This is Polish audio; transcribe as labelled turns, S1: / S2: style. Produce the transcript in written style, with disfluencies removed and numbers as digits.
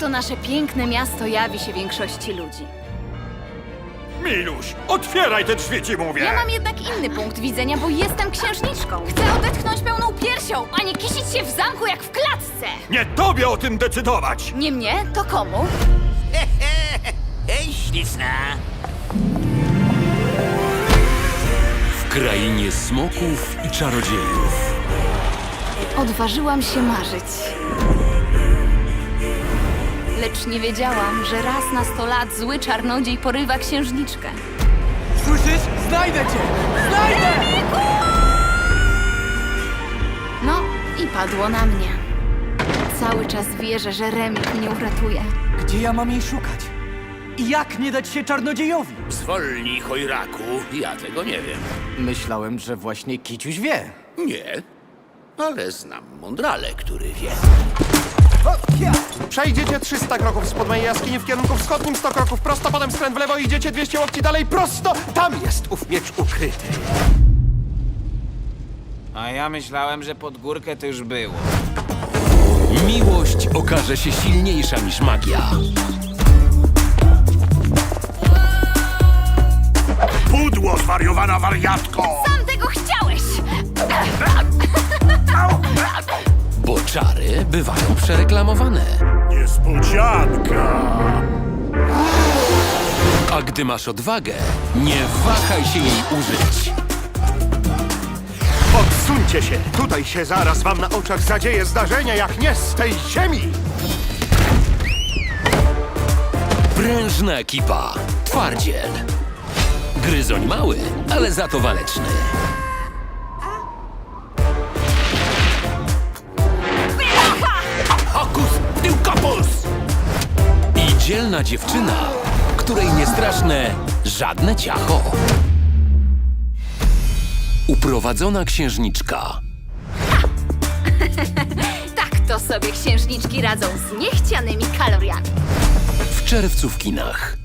S1: to nasze piękne miasto jawi się większości ludzi.
S2: Miluś, otwieraj te drzwi, ci mówię!
S1: Ja mam jednak inny punkt widzenia, bo jestem księżniczką. Chcę odetchnąć pełną piersią, a nie kisić się w zamku jak w klatce.
S2: Nie tobie o tym decydować!
S1: Nie mnie, to komu?
S3: Hej, śliczna!
S4: W krainie smoków i czarodziejów.
S1: Odważyłam się marzyć. Lecz nie wiedziałam, że raz na 100 lat zły czarnodziej porywa księżniczkę.
S5: Słyszysz? Znajdę cię! Znajdę!
S1: No i padło na mnie. Cały czas wierzę, że Remik mnie uratuje.
S5: Gdzie ja mam jej szukać? I jak nie dać się czarnodziejowi?
S3: Zwolnij, chojraku, ja tego nie wiem.
S5: Myślałem, że właśnie Kiciuś wie.
S3: Nie, ale znam mądrale, który wie.
S6: Przejdziecie 300 kroków spod mojej jaskini w kierunku wschodnim, 100 kroków prosto, potem skręt w lewo i idziecie 200 łokci dalej prosto. Tam jest ów miecz ukryty.
S7: A ja myślałem, że pod górkę to już było.
S4: Miłość okaże się silniejsza niż magia.
S2: Pudło, zwariowana wariatko!
S1: Sam tego chciałeś!
S4: Bo czary bywają przereklamowane.
S2: Niespodzianka!
S4: A gdy masz odwagę, nie wahaj się jej użyć.
S6: Odsuńcie się! Tutaj się zaraz wam na oczach zadzieje zdarzenia jak nie z tej ziemi!
S4: Prężna ekipa. Twardziel. Gryzoń mały, ale za to waleczny.
S3: Hokus, tyłkopus!
S4: I dzielna dziewczyna, której nie straszne żadne ciacho. Uprowadzona księżniczka.
S1: Tak to sobie księżniczki radzą z niechcianymi kaloriami.
S4: W czerwcu w kinach.